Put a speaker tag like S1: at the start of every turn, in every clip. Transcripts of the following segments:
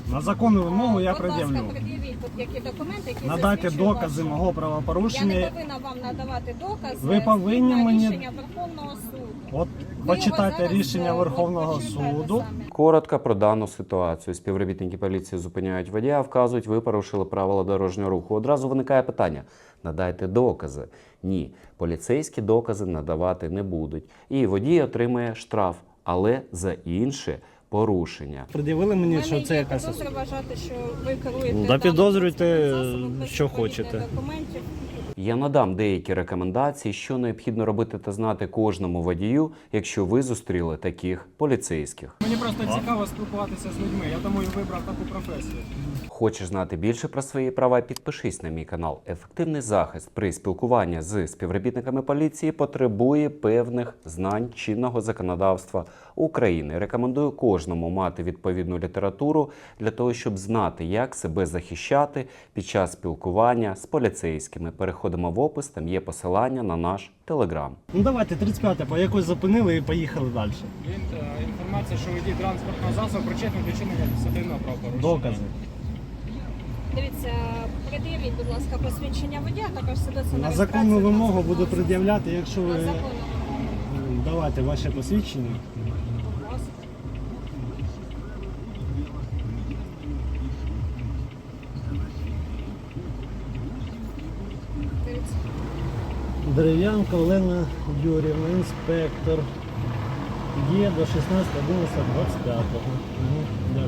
S1: На законну вимогу я
S2: Будь ласка,
S1: пред'явлю.
S2: пред'явіть тут які документи, які
S1: Надати
S2: засвідчують
S1: докази
S2: вашу-
S1: мого
S2: Я
S1: правопорушення.
S2: не повинна вам надавати докази.
S1: Ви повинні
S2: згідно
S1: мені-
S2: рішення Верховного суду.
S1: От
S2: Ви
S1: почитайте
S2: його зараз,
S1: рішення
S2: от,
S1: Верховного
S2: почитайте
S1: суду.
S2: самі.
S3: Коротко про дану ситуацію. Співробітники поліції зупиняють водія, вказують, ви порушили правила дорожнього руху. Одразу виникає питання: надайте докази. Ні, поліцейські докази надавати не будуть. І водій отримає штраф, але за інше порушення.
S1: Пред'явили мені, що це якась...
S2: підозра вважати, що ви керуєте...
S1: Да
S2: даним
S1: підозрюйте,
S2: транспортним засобом без
S1: що
S2: відповідних
S1: хочете.
S2: документів.
S3: Я надам деякі рекомендації, що необхідно робити та знати кожному водію, якщо ви зустріли таких поліцейських.
S4: Мені просто цікаво спілкуватися з людьми, я тому і вибрав таку професію.
S3: Хочеш знати більше про свої права? Підпишись на мій канал. Ефективний захист при спілкуванні з співробітниками поліції потребує певних знань чинного законодавства України. Рекомендую кожному мати відповідну літературу для того, щоб знати, як себе захищати під час спілкування з поліцейськими. Переходимо в опис, там є посилання на наш телеграм.
S1: Ну давайте, 35-те, по якось зупинили і поїхали далі.
S4: Інформація, що водій транспортного засобу причетний до чинення адміністративного правопорушення.
S1: Докази.
S2: Дивіться, пред'явіть, будь ласка, посвідчення водія, також свідоцтво
S1: На
S2: реєстрацію
S1: законну вимогу
S2: транспортного
S1: буду
S2: засобу.
S1: пред'являти, якщо
S2: На
S1: ви
S2: законну вимогу.
S1: давайте ваше посвідчення.
S2: Будь ласка. Дивіться.
S1: Дерев'янка Олена Юрівна, інспектор. Є до 16.11.25. Дякую.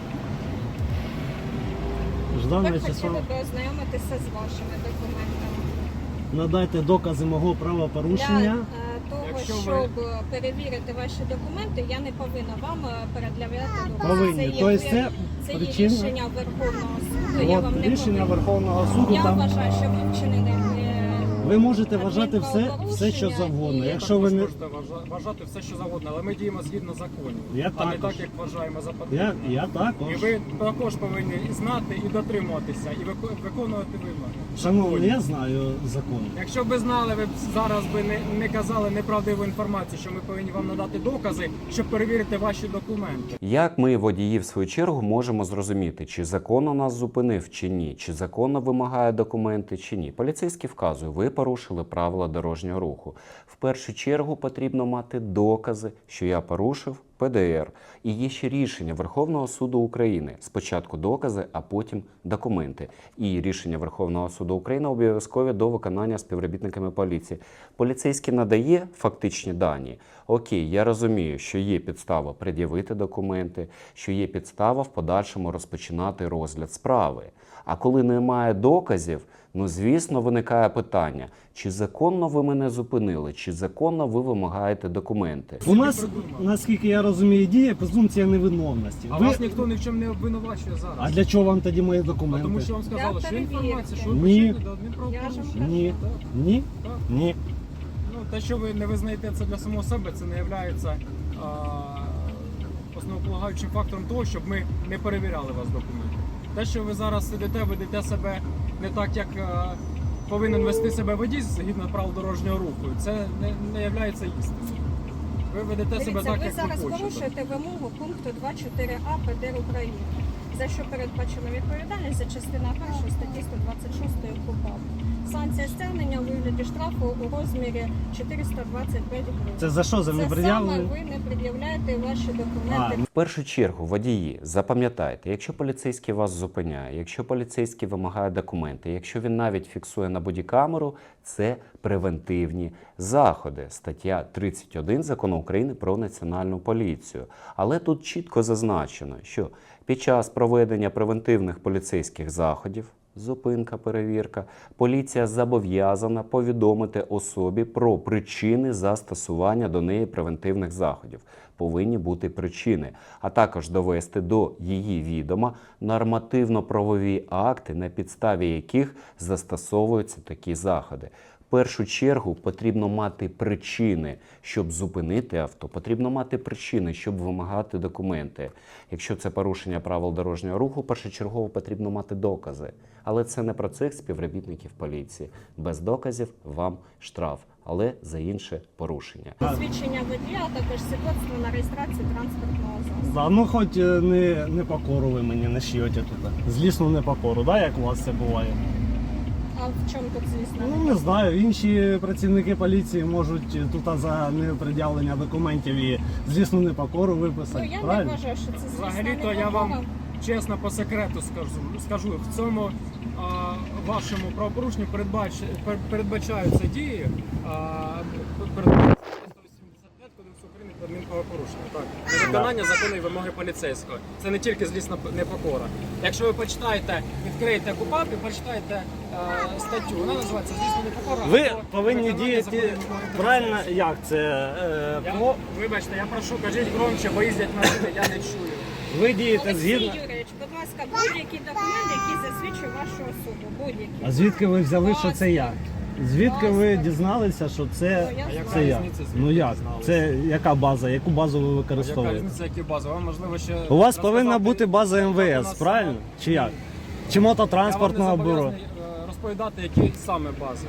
S1: Ждав
S2: Ви
S1: на число.
S2: хотіли би ознайомитися з вашими документами.
S1: Надайте докази мого правопорушення.
S2: Для того,
S4: Якщо ви-
S2: щоб перевірити ваші документи, я не повинна вам пред'являти докази.
S1: Повинні.
S2: Це є,
S1: Тобто це
S2: це є
S1: причина?
S2: рішення Верховного суду. Я вам
S1: От
S2: не
S1: рішення
S2: повинна.
S1: Верховного суду
S2: Я
S1: там.
S2: вважаю, що ви вчинили
S1: Ви можете вважати все, що завгодно.
S2: і-
S1: Якщо ви не
S4: можете вважати все, що завгодно, але ми діємо згідно законів,
S1: Я
S4: а не
S1: також.
S4: так, як вважаємо за потрібне.
S1: я
S4: І
S1: також.
S4: ви також повинні і знати, і дотримуватися, і виконувати вимоги.
S1: Шановний, я знаю закон.
S4: Якщо б ви знали, ви б зараз би не казали неправдиву інформацію, що ми повинні вам надати докази, щоб перевірити ваші документи.
S3: Як ми, водії, в свою чергу, можемо зрозуміти, чи законно нас зупинив, чи ні, чи законно вимагає документи, чи ні? Поліцейський вказує, ви порушили правила дорожнього руху. В першу чергу потрібно мати докази, що я порушив ПДР. І є ще рішення Верховного суду України. Спочатку докази, а потім документи. І рішення Верховного суду України обов'язкові до виконання співробітниками поліції. Поліцейський надає фактичні дані. Окей, я розумію, що є підстава пред'явити документи, що є підстава в подальшому розпочинати розгляд справи. А коли немає доказів, ну, звісно, виникає питання, чи законно ви мене зупинили, чи законно ви вимагаєте документи.
S1: У нас, наскільки я розумію, діє презумпція невиновності.
S4: А
S1: Ви-
S4: вас ніхто ні в чому не обвинувачує зараз.
S1: А для чого вам тоді мої
S4: А
S1: документи?
S4: тому що вам сказали, що
S2: перевірки.
S4: інформація, що ви
S1: Ні.
S4: причетні до
S2: Я ж
S4: адмінправопорушення.
S2: вам
S1: Ні.
S4: Так.
S1: Ні?
S4: Так.
S1: Ні.
S4: Ну, те, що ви не визнаєте це для самого себе, це не є основополагаючим фактором того, щоб ми не перевіряли вас документи. Те, що ви зараз сидите, ведете себе не так, як повинен вести себе водій згідно правил дорожнього руху, це не є істиною. Ви ведете себе
S2: Дивіться,
S4: так,
S2: ви
S4: як
S2: зараз
S4: ви хочете.
S2: порушуєте вимогу пункту 2.4а ПДР України, за що передбачено відповідальність за частина 1 статті 126 КУпАП. Санкція стягнення у вигляді штрафу у розмірі 425 гривень.
S1: Це за що? За
S2: Це саме
S1: непред'явлення?
S2: ви не пред'являєте ваші документи.
S3: В першу чергу, водії, запам'ятайте, якщо поліцейський вас зупиняє, якщо поліцейський вимагає документи, якщо він навіть фіксує на бодікамеру, це превентивні заходи. Стаття 31 Закону України про національну поліцію. Але тут чітко зазначено, що під час проведення превентивних поліцейських заходів, зупинка, перевірка, поліція зобов'язана повідомити особі про причини застосування до неї превентивних заходів. Повинні бути причини, а також довести до її відома нормативно-правові акти, на підставі яких застосовуються такі заходи. В першу чергу потрібно мати причини, щоб зупинити авто, потрібно мати причини, щоб вимагати документи. Якщо це порушення правил дорожнього руху, першочергово потрібно мати докази. Але це не про цих співробітників поліції. Без доказів вам штраф. але за інше порушення.
S2: Посвідчення водія, а також свідоцтво на реєстрацію транспортного засобу.
S1: Да, ну хоч не покору ви мені не шиєте тут. Злісну непокору, да, як у вас це буває?
S2: А в чому тут, звісно?
S1: Ну не знаю, інші працівники поліції можуть тут за непред'явлення документів і злісну непокору виписати.
S2: Ну, я не
S1: правильно?
S2: вважаю, що це звісно
S4: Взагалі-то я вам чесно по секрету скажу, в цьому вашому правопорушенню передбачаються дії передбачається 185 Кодексу України про адмінправопорушення. Так, невиконання закону і вимоги поліцейського. Це не тільки злісна непокора. Якщо ви почитаєте, відкриєте КУпАП і почитаєте статтю, вона називається злісна непокора.
S1: Ви
S4: або
S1: повинні
S4: невиконання закону і
S1: діяти
S4: вимоги
S1: правильно,
S4: поліцейського.
S1: як це?
S4: Вибачте, я прошу, кажіть громче, бо їздять машини, я не чую.
S1: Ви дієте
S2: Олексій
S1: згідно.
S2: Юрійович, будь ласка, будь-який документ, який засвідчує вашу особу. Будь-який.
S1: А звідки ви взяли, що це я? Звідки ви
S2: Паспорт.
S1: дізналися, що це,
S2: Ну, я
S4: А яка
S1: це я?
S4: різниця, звідки
S1: Ну як?
S4: дізналися?
S1: Це яка база? Яку базу ви
S4: Яка
S1: використовуєте?
S4: різниця, які бази? Вам можливо ще
S1: У вас
S4: розказати-
S1: повинна бути база
S4: у
S1: МВС,
S4: нас
S1: правильно?
S4: саме-
S1: Чи як? Чи
S4: Я
S1: мототранспортного
S4: вам не
S1: бюро?
S4: зобов'язаний, розповідати, які саме бази.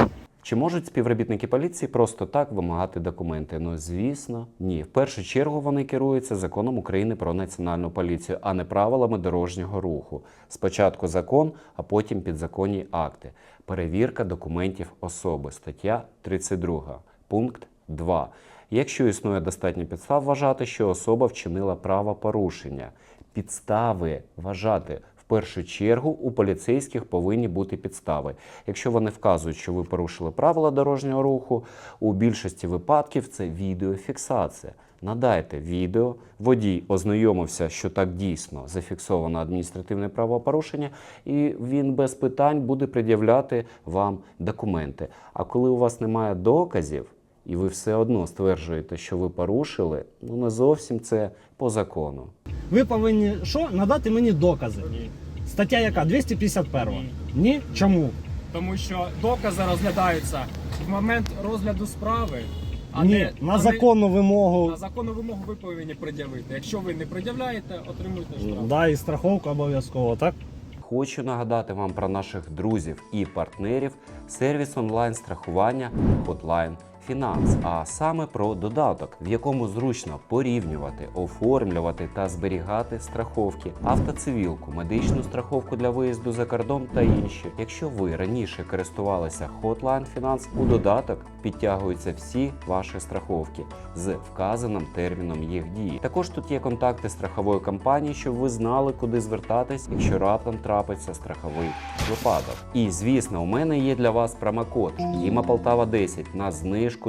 S3: Чи можуть співробітники поліції просто так вимагати документи? Ну, звісно, ні. В першу чергу вони керуються законом України про національну поліцію, а не правилами дорожнього руху. Спочатку закон, а потім підзаконні акти. Перевірка документів особи. Стаття 32. Пункт 2. Якщо існує достатньо підстав вважати, що особа вчинила правопорушення. Підстави вважати. В першу чергу у поліцейських повинні бути підстави. Якщо вони вказують, що ви порушили правила дорожнього руху, у більшості випадків це відеофіксація. Надайте відео, водій ознайомився, що так дійсно зафіксовано адміністративне правопорушення, і він без питань буде пред'являти вам документи. А коли у вас немає доказів, і ви все одно стверджуєте, що ви порушили, ну не зовсім це по закону.
S1: Ви повинні що? Надати мені докази.
S4: Ні.
S1: Стаття яка? 251.
S4: Ні.
S1: Ні? Чому?
S4: Тому що докази розглядаються в момент розгляду справи, а
S1: Ні,
S4: не
S1: на законну вимогу.
S4: на законну вимогу ви повинні пред'явити. Якщо ви не пред'являєте, отримуєте штраф.
S1: Да, і страховку обов'язково, так?
S3: Хочу нагадати вам про наших друзів і партнерів сервіс онлайн-страхування Hotline Finance, а саме про додаток, в якому зручно порівнювати, оформлювати та зберігати страховки, автоцивілку, медичну страховку для виїзду за кордон та інші. Якщо ви раніше користувалися Hotline Finance, у додаток підтягуються всі ваші страховки з вказаним терміном їх дії. Також тут є контакти страхової компанії, щоб ви знали, куди звертатись, якщо раптом трапиться страховий випадок. І звісно, у мене є для вас промокод Діма Полтава 10 на знижку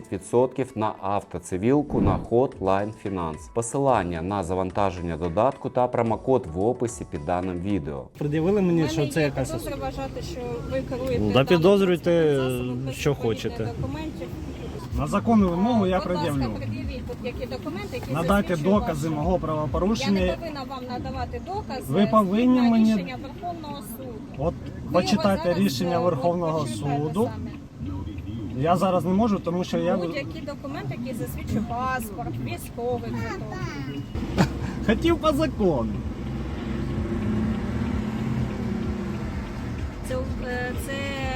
S3: 10% на автоцивілку на Hotline Finance. Посилання на завантаження додатку та промокод в описі під даним відео.
S1: Пред'явили мені, що це якась.
S2: підозра вважати, що ви керуєте
S1: Да
S2: даним
S1: підозрюйте,
S2: транспортним засобом без
S1: що
S2: відповідних
S1: хочете.
S2: документів.
S1: На законну вимогу я
S2: Будь ласка,
S1: пред'явлю.
S2: пред'явіть тут які документи, які
S1: Надайте
S2: засвідчують
S1: докази
S2: вашу-
S1: мого
S2: Я
S1: правопорушення.
S2: не повинна вам надавати докази.
S1: Ви повинні
S2: згідно
S1: мені-
S2: рішення Верховного суду.
S1: От
S2: Ви
S1: почитайте
S2: його зараз,
S1: рішення
S2: от,
S1: Верховного
S2: почитайте
S1: суду.
S2: самі.
S1: Я зараз не можу, тому що я
S2: Будь-які документи, які засвідчують паспорт, військовий квиток.
S1: хотів по закону.
S2: Це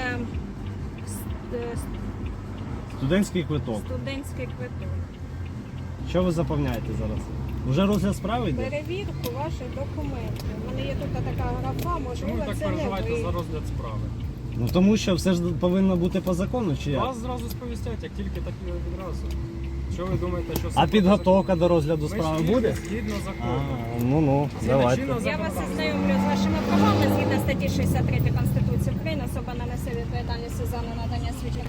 S1: Студентський квиток.
S2: студентський квиток.
S1: Що ви заповняєте зараз? Уже розгляд справи йде?
S2: Перевірку ваших документів. У мене є тут така графа,
S4: Чому
S2: можливо,
S4: ви так
S2: це не
S4: переживаєте
S2: ви.
S4: за розгляд справи?
S1: Ну тому що все ж повинно бути по закону, чи як?
S4: Вас зразу сповістять, як тільки так і відразу. Що ви думаєте, що
S1: А
S4: все
S1: підготовка до розгляду
S4: Ми ж
S1: справи
S4: тільки
S1: буде?
S4: згідно
S1: А,
S4: закону.
S1: ну,
S4: Згідно
S1: давайте.
S4: чинного
S2: Я вас
S4: законодавства.
S2: ознайомлю з вашими правами згідно статті 63 Конституції України. Особа не несе відповідальності за ненадання свідчень.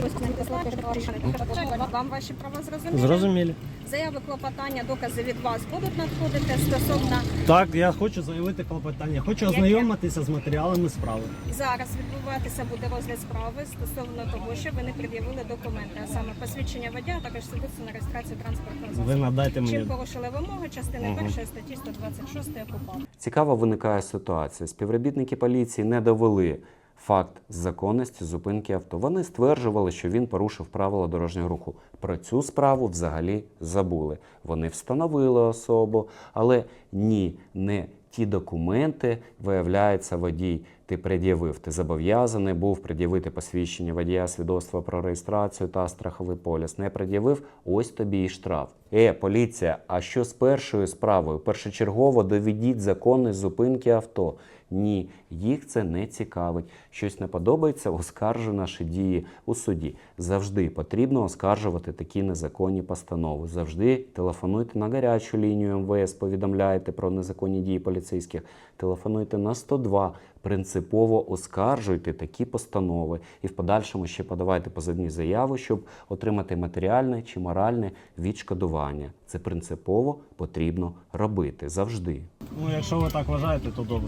S2: Вам ваші права зрозуміли?
S1: Зрозумілі.
S2: Заяви, клопотання, докази від вас будуть надходити стосовно
S1: Так, я хочу заявити клопотання. Хочу
S2: Яке?
S1: ознайомитися з матеріалами справи.
S2: зараз відбуватися буде розгляд справи стосовно того, що ви не пред'явили документи, а саме посвідчення водія, а також свідоцтво на реєстрацію транспортного
S1: Ви
S2: засобу.
S1: надайте
S2: Чим
S1: мені.
S2: порушили вимоги частини 1 статті 126 КУпАП.
S3: Цікаво виникає ситуація. Співробітники поліції не довели факт законності зупинки авто. Вони стверджували, що він порушив правила дорожнього руху. Про цю справу взагалі забули. Вони встановили особу, але ні, не ті документи, виявляється, водій ти пред'явив. Ти зобов'язаний був пред'явити посвідчення водія, свідоцтво про реєстрацію та страховий поліс. Не пред'явив, ось тобі і штраф. Поліція, а що з першою справою? Першочергово доведіть законність зупинки авто. Ні, їх це не цікавить. Щось не подобається, оскаржуй наші дії у суді. Завжди потрібно оскаржувати такі незаконні постанови. Завжди телефонуйте на гарячу лінію МВС, повідомляйте про незаконні дії поліцейських. Телефонуйте на 102, принципово оскаржуйте такі постанови. І в подальшому ще подавайте позовні заяви, щоб отримати матеріальне чи моральне відшкодування. Це принципово потрібно робити. Завжди.
S1: Ну, якщо ви так вважаєте, то добре.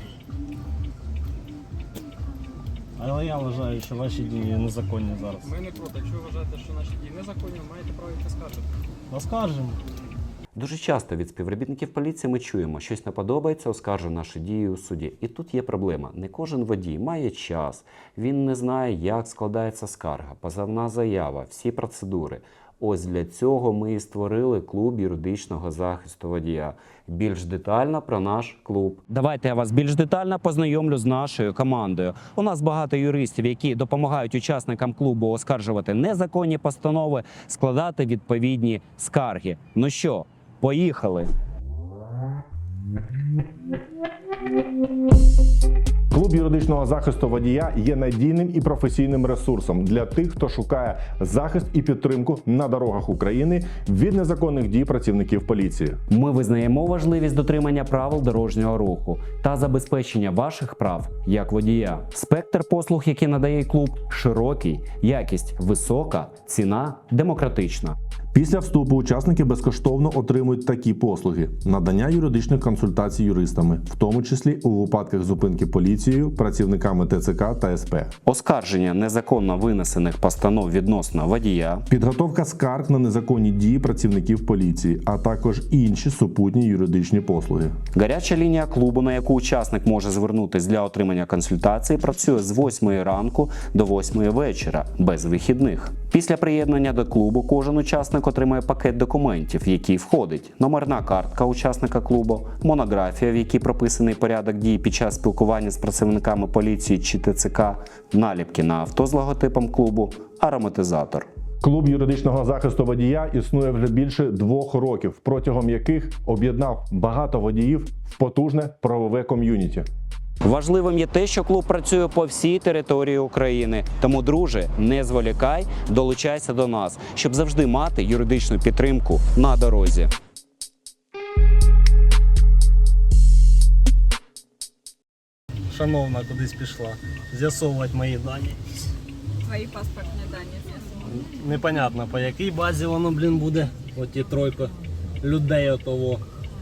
S1: Але я вважаю, що ваші дії незаконні зараз.
S4: Ми не проти. Якщо ви вважаєте, що наші дії незаконні, маєте право їх оскаржити.
S1: Оскаржимо.
S3: Дуже часто від співробітників поліції ми чуємо, щось не подобається, оскаржуй наші дії у суді. І тут є проблема. Не кожен водій має час, він не знає, як складається скарга, позовна заява, всі процедури. Ось для цього ми і створили клуб юридичного захисту водія. Більш детально про наш клуб. Давайте я вас більш детально познайомлю з нашою командою. У нас багато юристів, які допомагають учасникам клубу оскаржувати незаконні постанови, складати відповідні скарги. Ну що, поїхали!
S5: Клуб юридичного захисту водія є надійним і професійним ресурсом для тих, хто шукає захист і підтримку на дорогах України від незаконних дій працівників поліції.
S3: Ми визнаємо важливість дотримання правил дорожнього руху та забезпечення ваших прав як водія. Спектр послуг, які надає клуб, широкий, якість висока, ціна демократична.
S5: Після вступу учасники безкоштовно отримують такі послуги: надання юридичних консультацій юристами, в тому числі у випадках зупинки поліцією, працівниками ТЦК та СП,
S3: Оскарження незаконно винесених постанов відносно водія,
S5: підготовка скарг на незаконні дії працівників поліції, а також інші супутні юридичні послуги.
S3: гаряча лінія клубу, на яку учасник може звернутися для отримання консультації, працює з 8 ранку до 8 вечора, без вихідних. Після приєднання до клубу кожен учасник отримає пакет документів, в який входить номерна картка учасника клубу, монографія, в якій прописаний порядок дій під час спілкування з працівниками поліції чи ТЦК, наліпки на авто з логотипом клубу, ароматизатор.
S5: Клуб юридичного захисту водія існує вже більше 2 років, протягом яких об'єднав багато водіїв в потужне правове ком'юніті.
S3: Важливим є те, що клуб працює по всій території України. Тому, друже, не зволікай, долучайся до нас, щоб завжди мати юридичну підтримку на дорозі.
S1: Шановна кудись пішла. З'ясовувати мої дані.
S2: Твої паспортні дані з'ясували.
S1: Непонятно, по якій базі воно, буде. Оті тройка людей отого.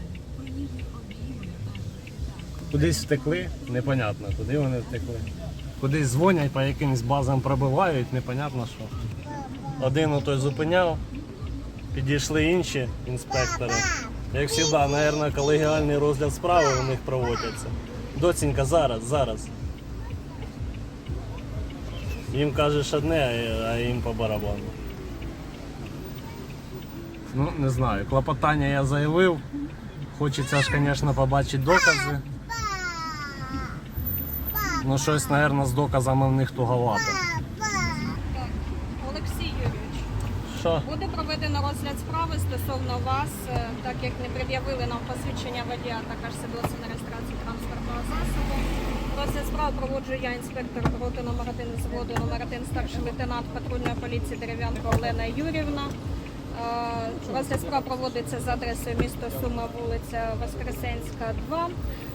S1: Кудись втекли, непонятно, куди вони втекли. Кудись дзвонять, по якимсь базам пробивають, непонятно що. Один отой зупиняв, підійшли інші інспектори. Як завжди, мабуть, колегіальний розгляд справи у них проводяться. Доцінька, зараз. Їм кажеш одне, а їм по барабану. Ну, не знаю, клопотання я заявив. Хочеться ж, звісно, побачити докази. Ну, щось, мабуть, з доказами в них туговато.
S2: Олексій Юрійович,
S1: Що?
S2: буде проведено розгляд справи стосовно вас, так як не пред'явили нам посвідчення водія, також свідоцтво на реєстрацію транспортного засобу. Розгляд справи проводжу я, інспектор роти номер 1 взводу номер 1 старший лейтенант патрульної поліції Дерев'янко Олена Юрівна. Розгляд справ проводиться за адресою місто Суми, вулиця Воскресенська, 2.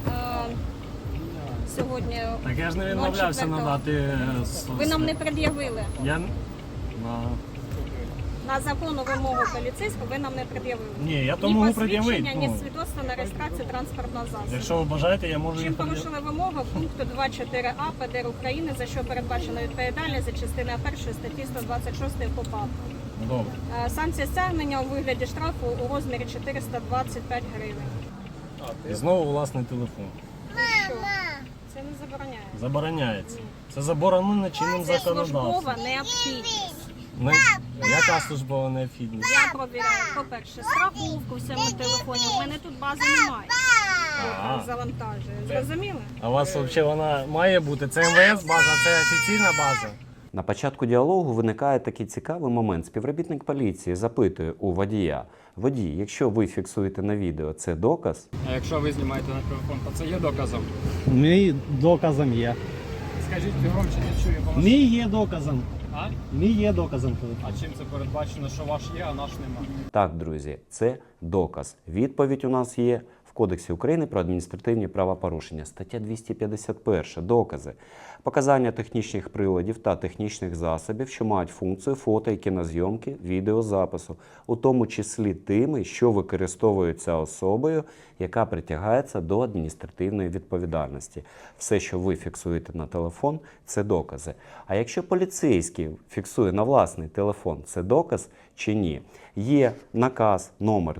S2: Сьогодні
S1: Так я ж не відмовлявся
S2: 04-го.
S1: надати...
S2: Ви нам не пред'явили.
S1: Я...
S2: На законну вимогу поліцейського ви нам не пред'явили.
S1: Ні, я то можу пред'явити.
S2: Ні посвідчення, ні
S1: Ну,
S2: свідоцтва на реєстрацію транспортного засобу.
S1: якщо ви бажаєте, я можу
S2: Чим
S1: їх пред'явити.
S2: порушили вимогу пункту 2.4а ПДР України, за що передбачено відповідальність за частиною 1 статті 126 КУпАП.
S1: Добре.
S2: Санкція стягнення у вигляді штрафу у розмірі 425 гривень.
S1: І знову власний телефон.
S2: Що? Це не забороняє.
S1: Забороняється. Це заборонено чинним
S2: Це
S1: законодавством.
S2: службова необхідність.
S1: Ну, яка службова необхідність?
S2: Я провіряю, по-перше, страховку в цьому телефоні. У мене тут бази немає.
S1: А.
S2: завантажує. Зрозуміли?
S1: А у вас взагалі вона має бути? Це МВС база, це офіційна база.
S3: На початку діалогу виникає такий цікавий момент. Співробітник поліції запитує у водія: водій, якщо ви фіксуєте на відео, це доказ?
S4: А якщо ви знімаєте на телефон, то це є доказом.
S1: Мій доказом є.
S4: Скажіть громче, не чую, бо
S1: Мій є доказом.
S4: А?
S1: Мій є доказом.
S4: А чим це передбачено, що ваш є, а наш нема?
S3: Так, друзі, це доказ. Відповідь у нас є в Кодексі України про адміністративні правопорушення. Стаття 251. Докази. Показання технічних приладів та технічних засобів, що мають функцію фото і кінозйомки, відеозапису, у тому числі тими, що використовуються особою, яка притягається до адміністративної відповідальності. Все, що ви фіксуєте на телефон, це докази. А якщо поліцейський фіксує на власний телефон, це доказ чи ні? Є наказ номер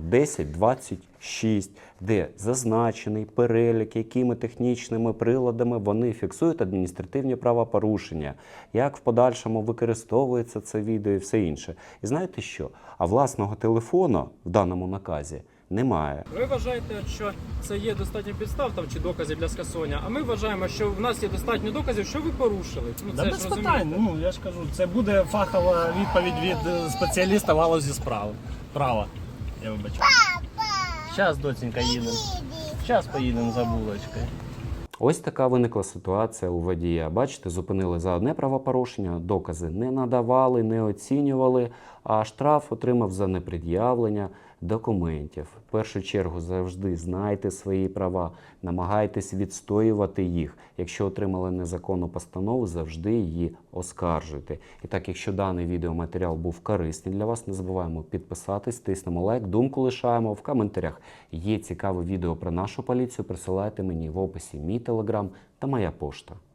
S3: 1026, де зазначений перелік, якими технічними приладами вони фіксують адміністративні правопорушення, як в подальшому використовується це відео і все інше. І знаєте що? А власного телефону в даному наказі немає.
S4: Ви вважаєте, що це є достатньо підстав там, чи доказів для скасування, а ми вважаємо, що в нас є достатньо доказів, що ви порушили. Ну,
S1: Да
S4: це
S1: без
S4: ж
S1: питань.
S4: розумієте.
S1: Ну, я ж кажу, це буде фахова відповідь від спеціаліста в галузі справи. Права. Я вибачаю. Зараз, доцінька, їдемо. Зараз поїдемо за булочкою.
S3: Ось така виникла ситуація у водія. Бачите, зупинили за одне правопорушення, докази не надавали, не оцінювали, а штраф отримав за непред'явлення документів. В першу чергу завжди знайте свої права, намагайтесь відстоювати їх. Якщо отримали незаконну постанову, завжди її оскаржуйте. І так, якщо даний відеоматеріал був корисний для вас, не забуваємо підписатись, тиснемо лайк, думку лишаємо в коментарях. Є цікаве відео про нашу поліцію, присилайте мені в описі мій телеграм та моя пошта.